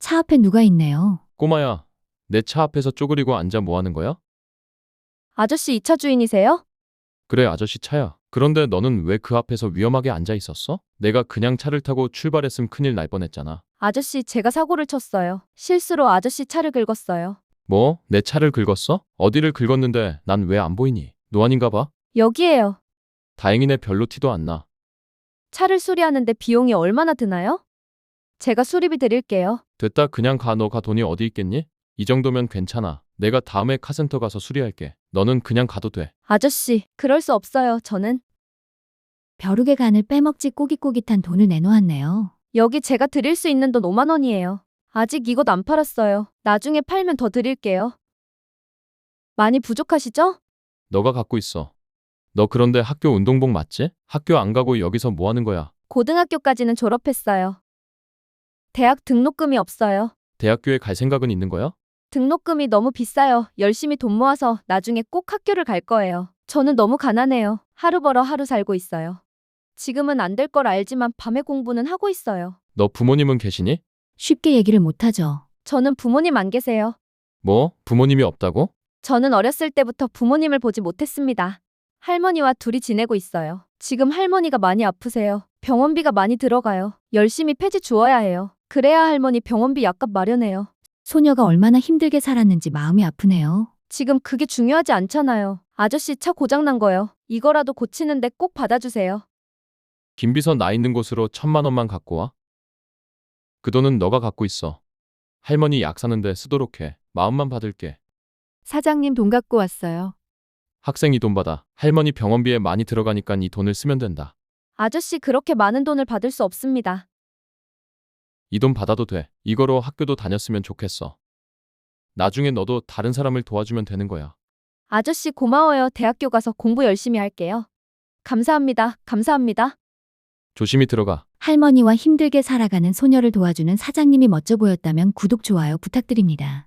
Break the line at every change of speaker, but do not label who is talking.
차 앞에 누가 있네요.
꼬마야, 내 차 앞에서 쪼그리고 앉아 뭐 하는 거야?
아저씨 이 차 주인이세요?
그래, 아저씨 차야. 그런데 너는 왜 그 앞에서 위험하게 앉아 있었어? 내가 그냥 차를 타고 출발했으면 큰일 날 뻔했잖아.
아저씨 제가 사고를 쳤어요. 실수로 아저씨 차를 긁었어요.
뭐? 내 차를 긁었어? 어디를 긁었는데 난 왜 안 보이니? 노안인가 봐?
여기에요.
다행이네, 별로 티도 안 나.
차를 수리하는데 비용이 얼마나 드나요? 제가 수리비 드릴게요.
됐다, 그냥 가. 너가 돈이 어디 있겠니? 이 정도면 괜찮아. 내가 다음에 카센터 가서 수리할게. 너는 그냥 가도 돼.
아저씨, 그럴 수 없어요. 저는
벼룩의 간을 빼먹지 꼬깃꼬깃한 돈을 내놓았네요.
여기 제가 드릴 수 있는 돈 5만 원이에요. 아직 이것 안 팔았어요. 나중에 팔면 더 드릴게요. 많이 부족하시죠?
너가 갖고 있어. 너 그런데 학교 운동복 맞지? 학교 안 가고 여기서 뭐 하는 거야?
고등학교까지는 졸업했어요. 대학 등록금이 없어요.
대학교에 갈 생각은 있는 거야?
등록금이 너무 비싸요. 열심히 돈 모아서 나중에 꼭 학교를 갈 거예요. 저는 너무 가난해요. 하루 벌어 하루 살고 있어요. 지금은 안 될 걸 알지만 밤에 공부는 하고 있어요.
너 부모님은 계시니?
쉽게 얘기를 못하죠.
저는 부모님 안 계세요.
뭐? 부모님이 없다고?
저는 어렸을 때부터 부모님을 보지 못했습니다. 할머니와 둘이 지내고 있어요. 지금 할머니가 많이 아프세요. 병원비가 많이 들어가요. 열심히 폐지 주어야 해요. 그래야 할머니 병원비 약값 마련해요.
소녀가 얼마나 힘들게 살았는지 마음이 아프네요.
지금 그게 중요하지 않잖아요. 아저씨 차 고장난 거요. 이거라도 고치는데 꼭 받아주세요.
김비서 나 있는 곳으로 1,000만 원만 갖고 와. 그 돈은 너가 갖고 있어. 할머니 약 사는데 쓰도록 해. 마음만 받을게.
사장님 돈 갖고 왔어요.
학생 이 돈 받아. 할머니 병원비에 많이 들어가니까 이 돈을 쓰면 된다.
아저씨 그렇게 많은 돈을 받을 수 없습니다.
이 돈 받아도 돼. 이거로 학교도 다녔으면 좋겠어. 나중에 너도 다른 사람을 도와주면 되는 거야.
아저씨 고마워요. 대학교 가서 공부 열심히 할게요. 감사합니다. 감사합니다.
조심히 들어가.
할머니와 힘들게 살아가는 소녀를 도와주는 사장님이 멋져 보였다면 구독, 좋아요 부탁드립니다.